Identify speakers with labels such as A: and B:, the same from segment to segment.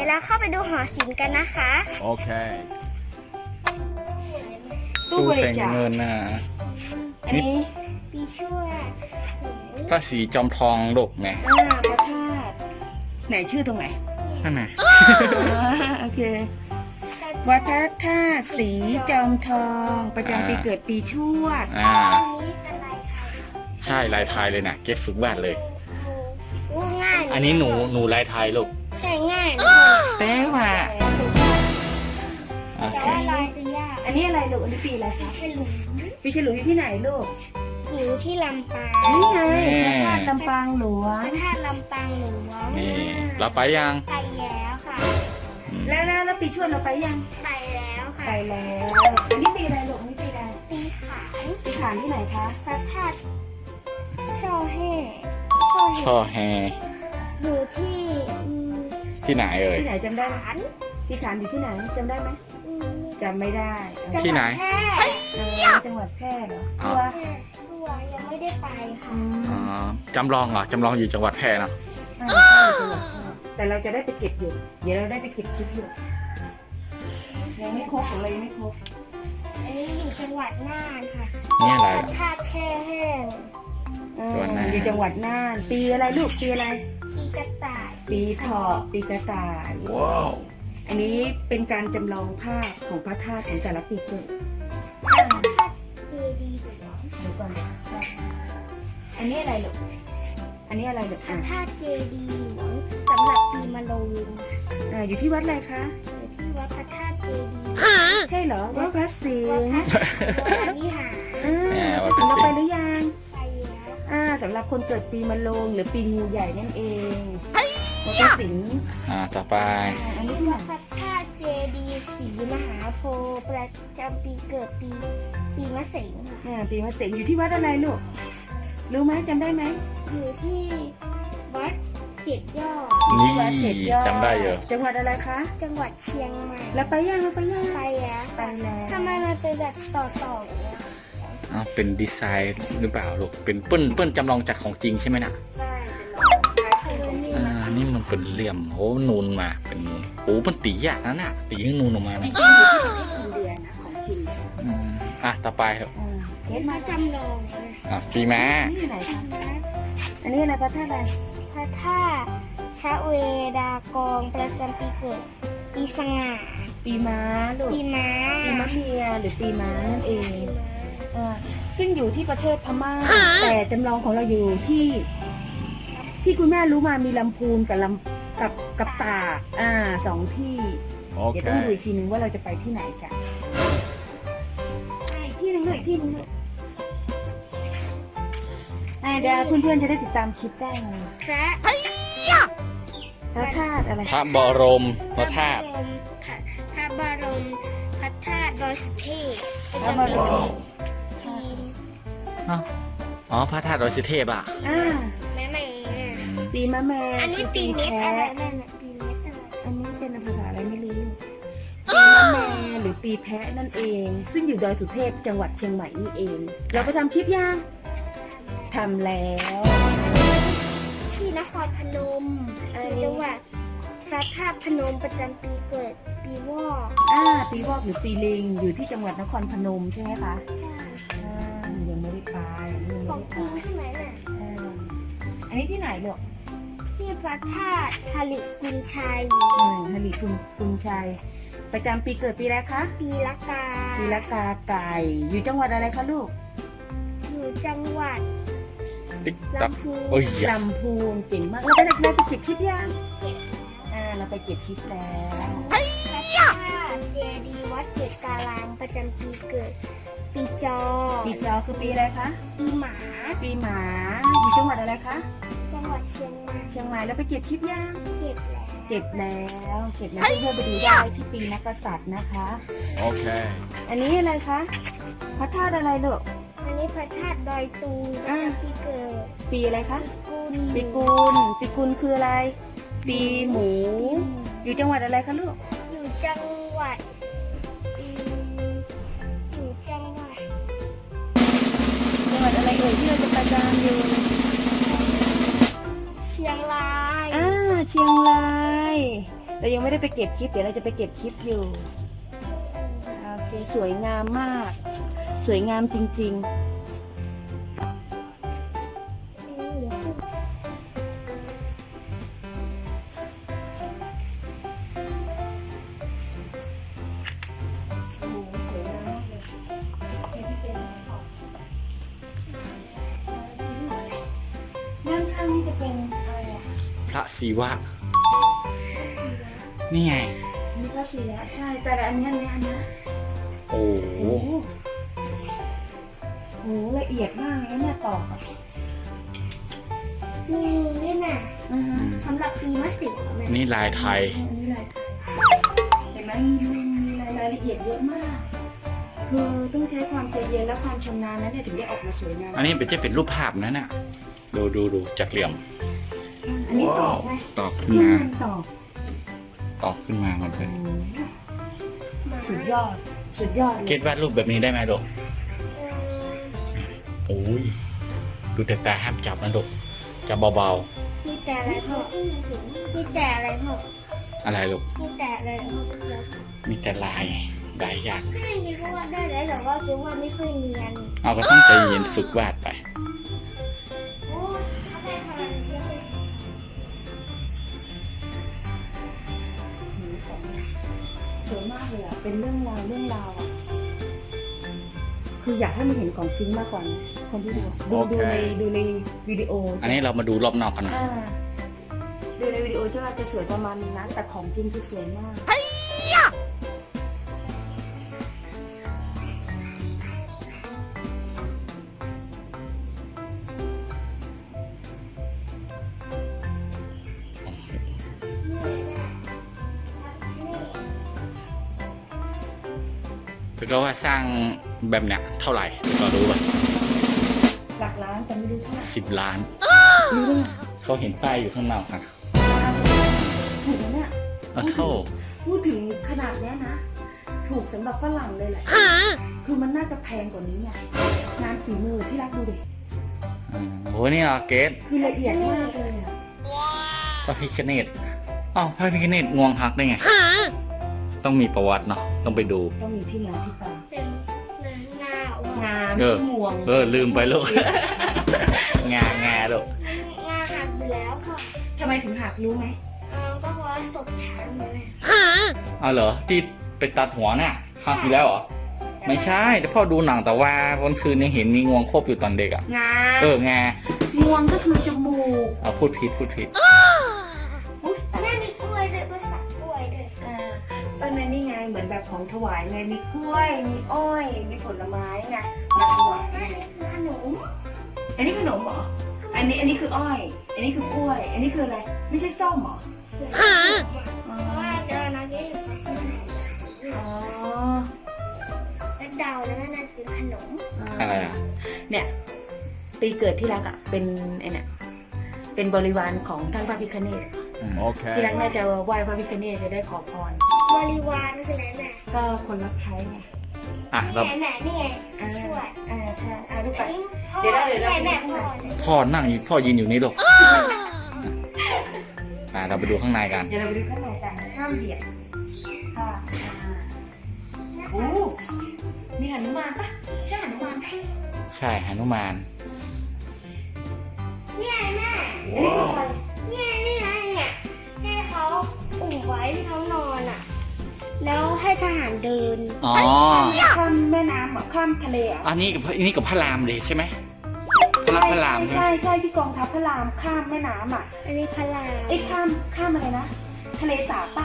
A: เราเข้าไปดูหอศิลป์กันนะคะ
B: Okay.
C: ตู้บริจาค
D: เงินนะ
C: อันนี้
A: ปีช่วย
D: พระศรีจอมทองลูกไง
C: พระธาตุไหนชื่อตรงไหน
D: นั่นไง
C: โอเควัดพระธาตุศรีจอมทองประจำปีเกิดปีชวด
D: อ่า
A: อันนี้เป็นลายไทย
D: ใช่ลายไทยเลยนะเก็ตฝึกวาดเลย
A: อู้ง่าย
D: อันนี้หนูลายไทยลูก
A: ใช่ง่ายนะ
C: แปลว่า
D: โอ
A: แต่
D: เค
A: ว่าลายจะยาก
C: อันนี้อะไรลูกอันนี้ปีอะไรคะ
A: ฉลุ
C: ปีฉลูอยู่ที่ไหนลูก
A: อยู่ที่ลำปาง
C: นี่ไงพระธาตุลำปางหลว
A: พ
C: ง
A: ระธาตุลำปางหลวง
D: นี่เราไปยัง
A: ไปแล้วค่ะ
C: แล้วปีชวดเราไปยัง
A: ไปแล้วค่ะ
C: ไปแล้ว อันนี้ปีอะไรลูกอันนี้ปีอะไร
A: ปีขาน
C: ปีขานที่ไหนคะ
A: พระธาตุช่อแห่
D: ช่อแฮ
A: อยู่ที่
D: ที่ไหนเอ่ย
C: ที่ไหนจำได้ไหม
A: ขาน
C: ปีขานอยู่ที่ไหนจำได้ไหม
A: อืม
C: จำไม่ได้
D: ที่ไหน
A: จังวัดแพร่
C: จังหวัดแพร่เหรอ
D: อ๋
C: ชั
D: อ
C: วร์
A: ชัวร์ยังไม่ได้ไปค่ะ
D: อ๋อจำลองเหรอจำลองอยู่จังหวัดแพร่เนอะ
C: ใช่จังหวัดแพร่แต่เราจะได้ไปเก็บอยู่ เดี๋ยวเราได้ไปเก็บคลิปอยู่ยังไม่ครบของเรายังไม่ครบ
A: อันนี้อยู่จังหวัดน่านค่ะ
D: นี่อะไร
A: พระ
D: อ่ะ
A: ธาตุแช่แห้ง
D: จังหวัดน่าน
C: อยู่จังหวัดน่าน ปีอะไรลูกปีอะไร
A: ปีกระต่าย
C: ปีเถาะปีกระต่าย
D: ว้าว
C: อันนี้เป็นการจำลองภาพของพระธาตุของแต่ละปีเกิด
A: พระธาตุเจดีย์หลวง
C: เดี๋ยวก่อนอันนี้อะไรลูกอันนี้อะไรลูก
A: พระธาตุเจดีย์หลวงสำหรับปีมะโรง
C: อยู่ที่วัดอะไรคะ
A: อยู่ที่วัดพระธาตุเจดีย์
C: ใช่เหรอวัดพระสิ
A: วัด
C: ง
A: พ
C: ห์
A: ระศรีวรวิหาร
C: พระสิงห์เราไปหรือยัง
A: ไปแล้ว
C: สำหรับคนเกิดปีมะโรงหรือปีงูใหญ่นั่นเองวัดพระสิงห์
D: ต่อไป
C: อันนี้ที่ไหน
A: วัดพระธาตุเจดีย์ศรีมหาโพธิ์ประจำปีเกิดปีมะเสงค่ะ
C: ปีมะเสงอยู่ที่วัดอะไรลูกรู้ไหมจำได้ไหม
A: อยู่ที่วัดเจ็ดยอด
D: นี่
C: วัดเจ็ดยอด
D: จำได้เหรอ
C: จังหวัดอะไรคะ
A: จังหวัดเชียงใหม่
C: เราไปยัง
A: ไปแล้ว
C: ไปแล้ว
A: ทำไมมันเป็นแบบต่อๆอย่างเงี้ย
D: เป็นดีไซน์หรือเปล่าลูกเป็นเปิ้ลจำลองจากของจริงใช่ไหมน่ะ
C: ใช่จะลองคล้าย
A: เออนี่
D: นี่มันเป็นเหลี่ยมโอ้นูนมาเป็นมันตียากนะน่ะตีให้นูนออกมา
C: จ
D: นะ
C: ริงๆอยู่ที่ประเทศอินเดียนะของจริง
D: ต่อไปครับ
C: เก็ต
A: มา
C: มา
A: จำลองเลย
D: ปีม้า
C: นี่อยู่ไหนคะอันนี้อะไรพระธาตุอะไร
A: พระธาตุชะเวดากองประจำปีเกิด ปีสง่า
C: ปีม้าลูก
A: ปีม้า
C: ปีมะเมียหรือปีม้านั่นเองซึ่งอยู่ที่ประเทศพม่า แต่จำลองของเราอยู่ที่คุณแม่รู้มามีลำพูนกับกับตากสองที่ เดี๋ยวต้องดู
B: Okay.
C: อีกทีนึงว่าเราจะไปที่ไหนกันอีกที่หนึงด้วยอีกที่หนึงด้วยเดี๋ยวเพื่อนๆจะได้ติดตามคลิปได้ไง
A: พระ
C: พระธาตุอะไร
D: พระบรมพระธาตุ
A: พระบรมพระธาตุดอยสุเทพประ
C: พระ
A: จำ
C: บ
A: ปี
C: ร
A: เกิ
C: ม
A: ดปี
D: พระธาตุดอยสุเทพอ่ะ
A: แม่แม่
C: ปีมะแม่
A: อันนี้ปีเม็ดอะไรนั่นน่ะปีเม็ดอะไร
C: อันนี้เป็นภาษาอะไรไม่รู้ปีมะแม่หรือปีแพะนั่นเอง ซึ่งอยู่ดอยสุเทพจังหวัดเชียงใหม่นี่เอง เราไปทำคลิปยังทำแล้ว
A: ที่นครพนมอยู่จังหวัดพระธาตุพนมประจำปีเกิดปีวอก
C: ปีวอกหรือปีลิงอยู่ที่จังหวัดนครพนมใช่ไหมคะยังไม่ได้ไปยัง
A: ข
C: ไม่
A: อง
C: ได้ไป
A: จริงใช่ไหมน่ะ
C: อันนี้ที่ไหนลูก
A: ที่พระธาตุหลิกุนชัย
C: ฮาริกุนชัย ประจำปีเกิดปีอะไรคะ
A: ปีละกา
C: ปีละกาไก่ อยู่จังหวัดอะไรคะลูก
A: อยู่จังหวัด
D: ติ๊กตัก
A: ลำพูน
D: โอ้ย
C: ลำพูนเก่งมากเราไปเก็บคลิปยังเราไปเก็บคลิปแล้ว
A: พระธาตุเจดีย์วัดเกศการามประจำปีเกิด ปีจอ
C: ปีจอคือปีอะไรคะ
A: ปีหมา
C: ปีหมา อยู่จังหวัดอะไรคะ
A: จังหวัดเชียงใหม่
C: เชียงใหม่แล้วไปเก็บคลิปยัง
A: เก็บแล้ว
C: เก็บแล้วเพื่อนๆไปดูได้ที่ปีนักกษัตริย์นะคะ
B: Okay.
C: อันนี้อะไรคะพระธาตุอะไรลูก
A: อันนี้พระธาตุดอยตุงประจำปีเกิด
C: ปีอะไรคะ
A: กุล
C: ปีกุลคืออะไร ปีหมู อยู่จังหวัดอะไรคะลูก
A: อยู่จังหวัดอยู่จังหวัด
C: จังหวัดอะไรเอ่ยที่เราจะไปกันอยู่
A: เชียงราย
C: เชียงรายเรายังไม่ได้ไปเก็บคลิปเดี๋ยวเราจะไปเก็บคลิปอยู่โอเคสวยงามมาก สวยงามจริงๆโอ้โหสวยงามมากเลยด้านข้างนี่จะเป็นอะไรอ่ะ
D: พระศิวะ นี่ไง
C: นี่ก็สีแล้วใช่แต่อันเนี้ย
D: โอ้โห
C: โอ้โหโหละเอียดมากเลยเนี่ยตอกอะ
A: มีด้วยน่ะ
C: อือฮะ
A: สำหรับปีมะเสิงแม่
D: นี่ลายไทย
C: อันนี้อะไรเห็นไหมมีรายละเอียดเยอะมาก คือต้องใช้ความใจเย็นและความชำนาญนะเนี่ยถึงได้ออกมาสวยงาม
D: อันนี้เป็นรูปภาพนะเนี่ยดูจากเหลี่ยม
C: อันนี้ตอกไหม
D: ตอกขึ้น
C: ที่
D: มา
C: มันตอก
D: ตอกขึ้นมาหมดเลย
C: สุดยอดสุดยอดเล
D: เก
C: ย
D: ตวาดรูปแบบนี้ได้ไหมลูกโอ้ยดูแต่ตาห้ามจับนะลูกจับเบา
A: มีแต่อะไรพ่อมีแต่อะไรพ่อ
D: ๆอะไรลูก
A: มีแต่อะไรพ่อ
D: มีแต่ลายอย่าง
A: ไม่มีก็วาดได้แล้วแต่ว่าคิดว่าไม่ค่อยเนียน
D: เอาก็ต้องใจเย็นฝึกวาดไป
A: โอ้เขาได้พลังเยอะเลย
C: สวยมากเลยอ่ะเป็นเรื่องราวอ่ะคืออยากให้มันเห็นของจริงมากกว่านะคนที่ดูในวิดีโอ
D: อันนี้เรามาดูรอบนอกกันหน่อย
C: ดูในวิดีโอจะว่าจะสวยประมาณนี้นะแต่ของจริงคือสวยมาก
D: แล้วก็ว่าสร้างแบบเนี้ยเท่าไหร่ก็รู้ป่ะ
C: หลักล้านแต่ไม่รู้เท่าไหร่
D: 10 ล้าน
C: รู้ได้ไง
D: เขาเห็นป้ายอยู่ข้างนอกนะ
C: ถูกแล้วเนี่ย
D: เท่า
C: พูดถึงขนาดเนี้ยนะ ถูกสำหรับฝรั่งเลยแหละคือมันน่าจะแพงกว่านี้ไงงานฝีมือที่รักดูดิ
D: โอ้นี่เหรอเกต
C: คือละเอียดมากเลยอะ
D: พระพิฆเนศอ้าวพระพิฆเนศงวงหักได้ไง ต้องมีประวัติเนาะต้องไปดู
C: ต้องมีที่มาที่ไป
A: เป็นหน้าอ่อน
C: งาม
D: เออ
C: ที่มวง
D: ลืมไปลูก งาลูก
A: หน้าหักไปแล้วค่ะ
C: ทำไมถึงหักรู้ไหม
A: ก็เพราะว่าศพช้างเลย
D: เอาเหรอที่ไปตัดหัวน่ะหักอยู่แล้วเหรอไม่ใช่แต่พ่อดูหนังแต่ว่าวันคืนยังเห็นมีงวงครบอยู่ตอนเด็กอ่ะ
C: งา
D: งาง
C: วงก็คือจมูก
D: เอาพูดผิด
C: อุ๊ย
A: แม่มีกล้วยด้วยภาษากล้วยด้วย
C: ต้นนั้นนี่ไงเหมือนแบบของถวายไงมีกล้วย มีอ้อย มีผลไม้ไงมาถวาย
A: แม่
C: ไง
A: นี่คือขนม
C: อันนี้ขนมเหรออันนี้คืออ้อย อันนี้คือกล้วย อันนี้คืออะไร ไม่ใช่ส้มเหรอ
A: เพราะว่าเดี๋ยวนะนี่
C: อ๋อ
A: แล้วเดาแล้วน่าจะเป็นขนม
D: อะไรอ่ะ
C: เนี่ยปีเกิดที่รักอ่ะเป็นไอ้เนี่ยเป็นบริวารของท่านพระพิฆเนศที่รักน่าจะไหว้พระพิฆเนศจะได้ขอพร
A: บริวารคืออะไรแม่
C: ก็คนรับใช้ไง
D: อ่ะเรา
A: แม่นี่ไงช่วย
C: ใช่ลูก
A: อั
C: ไป
A: นนี้พ่อ
C: เดี๋ยวนะ
A: แม่พ่อเนี่ย
D: พ่อนั่งอยู่พ่อยืนอยู่นี่ลูกเราไปดูข้างในกัน
C: เดี๋ยวเราไปดูข้างในกันห้ามเบียดค่ะโอ้มีหนุมานปะใช่หนุมานปะ
D: ใช่หนุมาน
A: เนี่ยแม่
C: ว้าว
A: เนี่ยนี่ไงเนี่ยให้เขาอุ่มไว้ที่เขานอนอ่ะ แล้วให้ทหารเดิน
D: อ๋อ
C: ข้ามแม่น้ำเหรอข้ามทะเลเหรอ
D: อันนี้กับพระรามเลยใช่ไหมพระรามใช่ไหม
C: ใช่ที่กองทัพพระรามข้ามแม่น้ำอ่ะ
A: อันนี้พระราม
C: ไอ้ยข้ามอะไรนะทะเลสาบปะ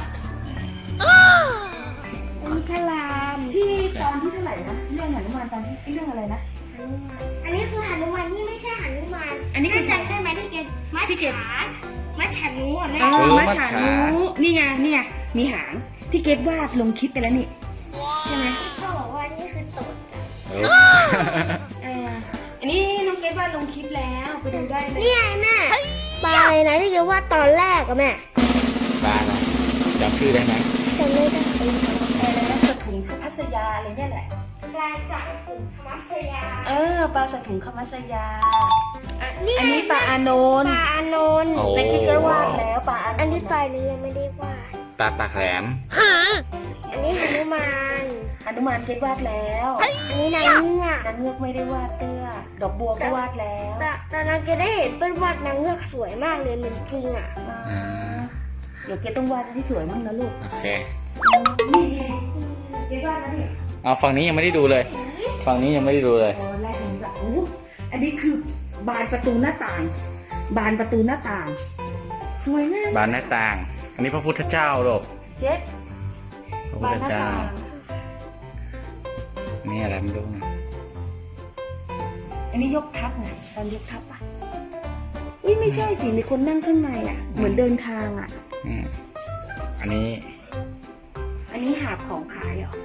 A: อันนี้พระราม
C: ที่ตอนที่เท่าไหร่นะเรื่องหนุมานตอนที่เรื่องอะไรนะ
A: หนุมานอันนี้คือหนุมานนี่ไม่ใช่หนุมาน
C: อันนี้คือ
A: จำได้ไหมที่เกณฑ์มัจฉานูอ่ะแม่
C: มัจฉานุนี่ไงมีหางที่เกดวาดลงคลิปไปแล้วนี่ใช่ไหม
A: ที่เขาบอกว่านี่คือตูด
C: อันนี้น้องเกดวาดลงคลิปแล้วไปดูได้เลย
A: นี่ไงแม่ปลาอะไรนะที่เกณฑ์ว่าตอนแรกอะแม่
D: ปลาอะไรจำชื่อได้ไหม
A: จำไม่ได้
C: อะไรนะสถุงคมัสยาอะไรเนี่ยแหละ
A: ปลาสักถึงมัสยา
C: ปลาสถุงคมัสยา
A: นี่
C: อันนี้ปลาอานน
A: ป
C: ท์
A: ลาอานนท์
D: โอ้
C: แต่ที่เกดวาดแล้วปลาอานนท์
A: อันนี้ปลานี้ยังไม่ได้วาด
D: ตาปากแหลม
A: อันนี้หนุมาน
C: หนุมานเกดวาดแล้ว
A: อันนี้นางเงือก
C: นางเงือกไม่ได้วาดเตื้อดอกบัวก็วาดแล้ว
A: แต่นางจะได้เห็นเป็นวาดนางเงือกสวยมากเลยเหมือนจริงอ่ะ
C: อ่าเดี๋ยวเกดต้องวาดที่สวยมั่งนะลูก
D: โอเค
C: นี่เกดวาดแล้วนี่
D: เอาฝั่งนี้ยังไม่ได้ดูเลย ฝั่งนี้ยังไม่ได้ดูเลย
C: โอ้แรกเห็นแบบโอ้อันนี้คือบานประตูหน้าต่าง บานประตูหน้าต่าง สวยมาก
D: บานหน้าต่าง อันนี้พระพุทธเจ้าลูก
C: เจ๊
D: พระพุ
C: บา
D: ท
C: น
D: ธ
C: หน้า
D: เจ้า
C: ต่าง
D: นี่อะไรไม่รู้นะ
C: อันนี้ยกทับไงตอนยกทับอ่ะอุ้ยไม่ใช่สิมีคนนั่งข้างในอ่ะ เหมือนเดินทางอ่ะ
D: อืมอันนี้
C: อันนี้หาบของขายเหรอ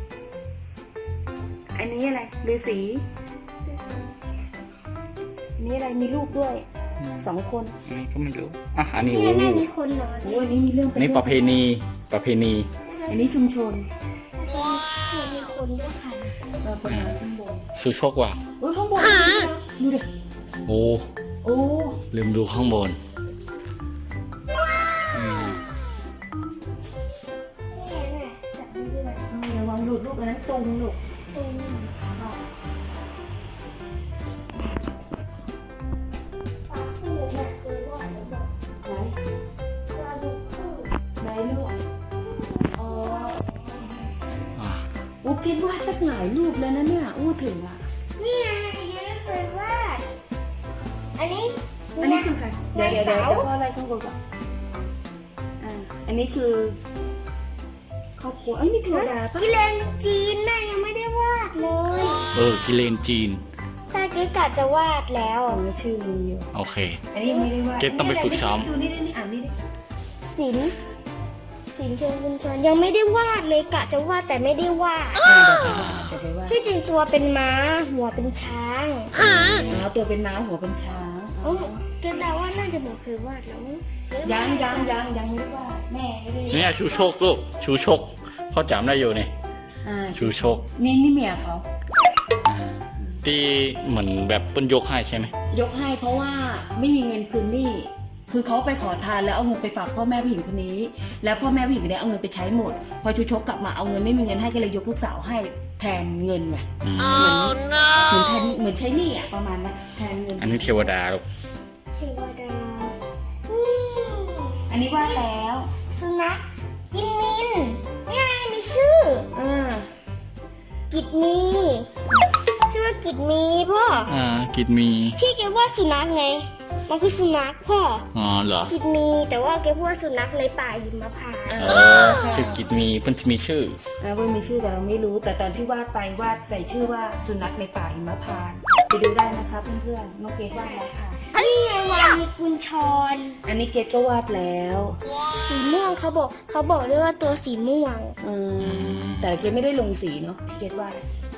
C: อันนี้อะไรฤาษีอันนี้อะไรมีลูกด้วย 2 คน
D: อันนี้ก็ไม่รู้อ่ะอันนี้
A: นี่
D: โอ้
A: แม่มีคนนอน
C: โอ้อันนี้มีเรื่อง
D: อันนี้ประเพณี ประเพณี
C: อันนี้ชุมชน
A: มีคนด้วยค่ะ
C: เราประมาณข้างบน
D: สุโชคว่ะ
C: โอ้ยข้างบนดูดิ
D: โอ้
C: โอ้
D: ลืมดูข้างบนอืม
A: จับมือด้วย
C: ระวังหลุดลูกอันนั้นตุงลูก
A: ตรงนี้ปากคู่เนี่ยคือว่าเดี๋ยวบอก
C: ไหน
A: ปลาดุกคู่
C: ไหนลูกอ๋อ
D: อ่ะ
C: อู้คิดว่าตั้งหลายรูปแล้วนะเนี่ยอู้ถึงอ่ะ
A: นี่ไงยังไม่เคยวาดอันนี้
C: อันนี้คือใครเดี๋ยวพ่ออะไรข้างบนก่อนอ่าอันนี้คือครอบครัวเอ้ยนี่เทวดาปะ
A: กิเลนจีนน่ะยังไม่ได้วาดเลย
D: กิเลนจีน
A: ตาเก๋กะจะวาดแล้ว
C: อ๋อชื่อมีอยู่
D: โอเค
C: อันนี้ยังไม่ได้ว่า
D: เกรดต้องไปฝึกซ้อม
C: ดูนี่อ่านนี่ดิ
A: ศิลป์เชิงบุญชนยังไม่ได้วาดเลยกะจะวาดแต่ไม่ได้วาด
C: เดี๋ยวไปว่า
A: ที่จริงตัวเป็นม้าหัวเป็นช้าง
C: อ๋อตัวเป็นม้าหัวเป็นช้าง
A: โอ้เก็แล้วว่าน่าจะบอกเคยวาดแล้วมั้ง
C: ยังไม่ได้ว่าแม่ไม่ได้
D: เนี่ยชูโชคลูก ชูโชคพ่อจำได้อยู่นี่
C: อ่า
D: ชูโชค
C: นี่เมียเขา
D: อ่าที่เหมือนแบบเปิ้นยกให้ใช่ไหม
C: ยกให้เพราะว่าไม่มีเงินคืนหนี้คือเขาไปขอทานแล้วเอาเงินไปฝากพ่อแม่ผู้หญิงคนนี้ แล้วพ่อแม่ผู้หญิงคนนี้เอาเงินไปใช้หมด พอชูชกกลับมาเอาเงินไม่มีเงินให้ก็เลยยกลูกสาวให้แทนเงินไง
D: อืม
C: เหมือนใช้หนี้อ่ะประมาณนั้นแทนเงิน
D: อันนี้เทวดาลูก
A: เทวดา
C: อันนี้ว่าแล้ว
A: สุนัขกินมินง่ายมีชื่อ
C: อ่า
A: กิดมีชื่อว่ากิดมีพ่อ
D: กิดมี
A: ที่แกว่าสุนัขไงมันคือสุนัขพ่อ
D: อ๋อเหรอ
A: กิดมีแต่ว่าแกพูดว่าสุนัขในป่าหิมพานต์
D: ชื่อกิดมีเพิ่นจะมีชื่อ
C: ว่ามีชื่อแต่เราไม่รู้ แต่ตอนที่วาดไปวาดใส่ชื่อว่าสุนัขในป่าหิมพานต์ไปดูได้นะคะเพื่อนๆน้องเกดวาดแล้วค่ะ
A: นี่ไงวานีกุญชร
C: อันนี้เกดก็วาดแล้ว
A: สีม่วงเขาบอกด้วยว่าตัวสีม่วง
C: อืมแต่เกดไม่ได้ลงสีเนาะที่เกดวาด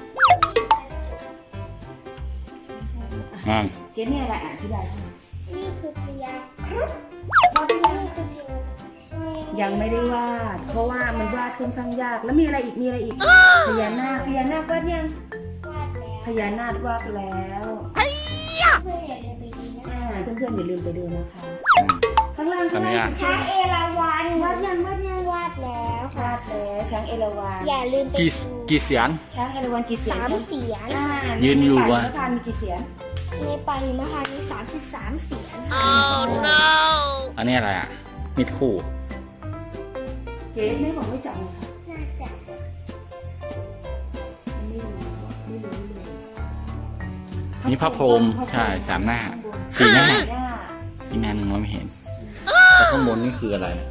D: อ่า
C: เกดเนี่ยอะไรอ่านที่ใดบ้าง
A: นี่คือพญาครุฑ
C: วาดได้ยัง
A: นี่คือเทวดา
C: ยังไม่ได้วาด เพราะว่ามันวาดค่อนข้างยากแล้วมีอะไรอีกพญานาควาดยัง
A: วาดแล้ว
C: พญานาควาดแล้ว
A: เพื่อนอย่าลืมไปดูนะ
C: เพื่อนๆอย่าลืมไปดูนะคะ ข้างล่าง
D: อันนี้อ่ะ
A: ช้างเอราวัณ
C: วาดยัง
A: วาดแล้วค่ะ
C: วาดแล้วช้างเอราวัณ
A: อย่าลืมไป
D: กี่
A: ดู
D: กี่เสียน
C: ช้างเอราวัณกี่เสียน
A: สามเสียง
D: ยืนอยู่วะ
C: ในป่าหิมพานต์มีกี่เสียน
A: ในป่าหิมพานต์มี33 เสียง
D: อันนี้อะไรอ่ะ มิดคู่
C: เจ๊ไม่บอกไม่จำเลยค่ะ
A: น่าจะ
C: ไม่รู้เลย
D: นี่พระพรหมใช่สามหน้าสี่หน้า อีกงานหนึ่งมองไม่เห็น แต่ข้างบนนี่คืออะไรเนี่ย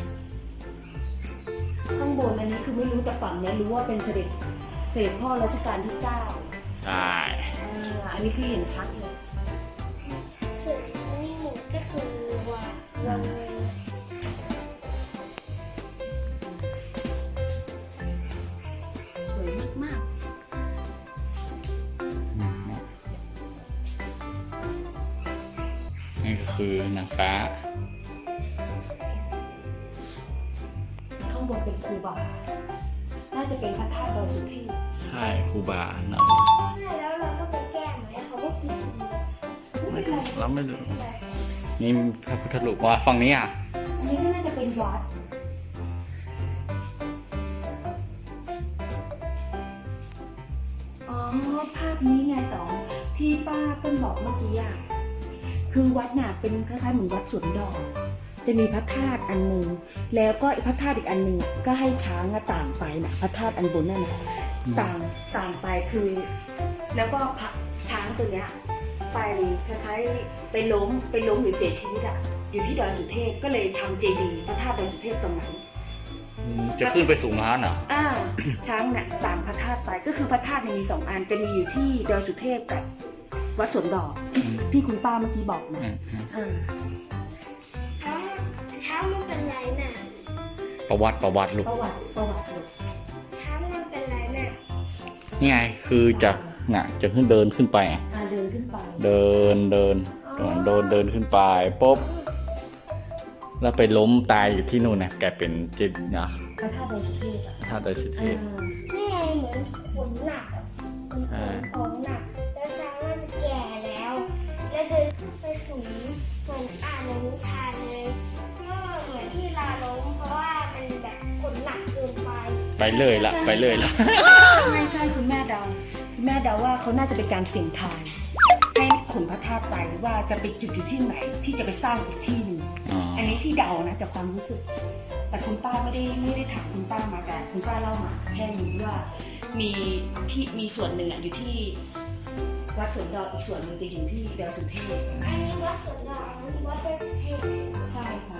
C: ข้างบนอันนี้คือไม่รู้แต่ฝั่งเนี้ยรู้ว่าเป็นเสด็จพ่อรัชกาลที่9
D: ใช่
C: อันนี้คือเห็นชัดเลย
A: ส่วนนี่ก็คือวัน
C: สวยมาก
D: นี่ก็คือนางฟ้า
C: ๆข้างบนเป็นครูบา น่าจะเป็นพระธาตุดอยสุเทพ
D: ใช่ครูบานะ
A: ใช่แล้วเราก็ไปแก้ไหมเขาก็กิน
D: เราไม่รู้นี่พระพุทธรูปว่าฝั่งนี้อ่ะ
C: อันนี้ก็น่าจะเป็นวัดภาพนี้ไงต่อที่ป้าเปิ้ลบอกเมื่อกี้อ่ะคือวัดน่ะเป็นคล้ายๆเหมือนวัดสวนดอกจะมีพระธาตุอันหนึ่งแล้วก็พระธาตุอีกอันหนึ่งก็ให้ช้างต่างไปนะพระธาตุอันบนนั่นนะต่างไปคือ แล้วก็พระช้างตัวเนี้ยไปคล้ายๆไปล้มหรือเสียชีวิตอ่ะอยู่ที่ดอยสุเทพก็เลยทำเจดีย์พระธาตุดอยสุเทพตรงนั้น
D: จะขึ้นไปสูงนั้นเหรอ
C: ช้างน่ะตามพระธาตุไปก็คือพระธาตุมีสองอันจะมีอยู่ที่ดอยสุเทพกับวัดสวนดอกที่คุณป้าเมื่อกี้บอกนะ
A: ช้างมันเป็นไรน่ะ
D: ประวัติลูก
C: ประวัติลูก
A: ช้างมันเป็นไรน่ะ
D: นี่ไงคือจะขึ้นเดินขึ้นไป
C: เดินขึ้นไป
D: เดินขึ้นไปปุ๊บแล้วไปล้มตายอยู่ที่นู่นนะแกเป็นจิตนะ
C: พระธาตุดอยสุเทพ
D: ถ้าโดยสุเทพ
A: นี่ไงเหมือนขนหนักของหนักแล้วช้างมันจะแก่แล้วเดินขึ้นไปสูงเหมือนอ่านในนิทานเลยก็เหมือนที่ลาล้มเพราะว่ามันแบบขนหนักเกินไป
D: ไปเลยละ
C: ไม่ใช่คุณแม่เดาว่าเขาน่าจะเป็นการเสี่ยงทายให้ขนพระธาตุไปว่าจะไปจุดอยู่ที่ไหนที่จะไปสร้างอีกที่หนึ่งอันนี้ที่เดานะจากความรู้สึกแต่คุณป้าไม่ได้ถามคุณป้ามาแต่คุณป้าเล่ามาแค่นี้ว่ามีส่วนหนึ่งอยู่ที่วัดสวนดอกอีกส่วนหนึ่งจะอยู่ที่ดอยสุเทพ
A: อันนี้วัดสวนดอกอันนี้วัดดอยสุเทพ
C: ใช่ค่ะ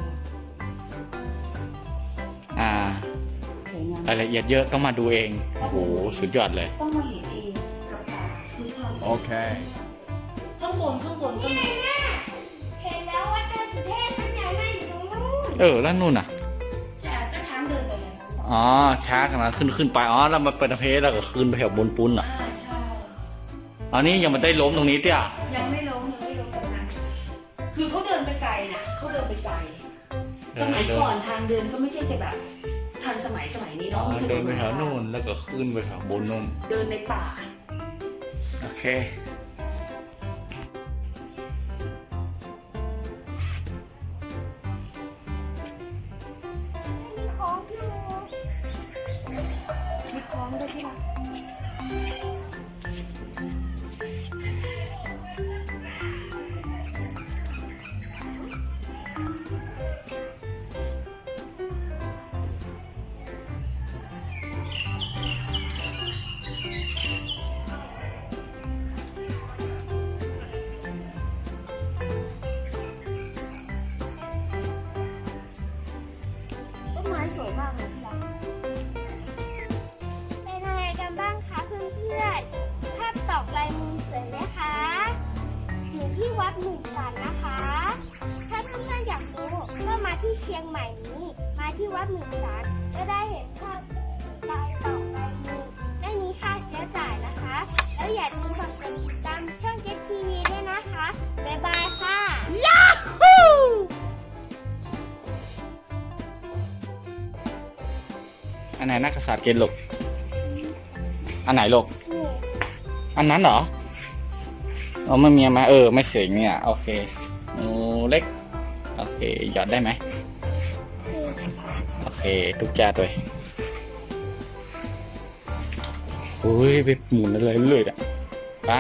C: สวยงาม
D: รายละเอียดเยอะต้องมาดูเองโอ้โหสุดยอดเลย
C: ต้องมาเห็นเองกับตาคือความ
D: โอเค
C: ข้างบนก็มี
A: เห็นแล้ววัดดอยสุเทพมันใหญ่มากอยู่ตรงนู้น
D: แล้วนู่นน่ะ
C: จะช้างเดินไปเลย
D: อ๋อช้าขนาดขึ้นไปแล้วมาเป็นเพลแล้วก็ขึ้นไปแถวบนปุ้นอ่ะ
C: ใช่
D: อันนี้ยังไม่ได้ล้มตรงนี้เตี้ย
C: ยังไม่ล้มตรงนั้นคือเขาเดินไปไกลนะเขาเดินไปไกลสมัยก่อนทางเดินก็ไม่ใช่จะแบบทันสมัยนี้เนาะ
D: เดินไปแถวนู่นแล้วก็ขึ้นไปแถวบนนู่น
C: เดินในป่า
D: โอเค
A: มีของอยู่
C: มีคล้องด้วยที่รักต้นไม้สวยมากเลยที่รัก
A: เป็นยังไงกันบ้างคะเพื่อนๆภาพตอกลายมือสวยไหมคะ อยู่ที่วัดหมื่นสันนะคะ ถ้าเพื่อนๆอยากรู้ก็มาที่เชียงใหม่นี้ มาที่วัดหมื่นสันก็ได้เห็นภาพลายตอกลายมือไม่มีค่าเสียจ่ายนะคะ แล้วอย่าลืมกดติดตามช่องเก็ตทีวีด้วยนะคะ บ๊ายบายค่ะ
D: อันไหนนักกษัตริย์เกณฑ์ลูกอันไหนลูก
A: นี่
D: อันนั้นเหรอไม่มีมาไม่เสียงเนี่ยโอเคโอ้เล็กโอเคหยอดได้ไหมโอเคทุกจานด้วยอุ้ยไปหมุนอะไรเรื่อยๆอ่ะป้า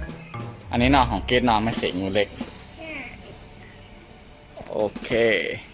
D: อันนี้นอนของเกดนอนไม่เสียงเล็กโอเค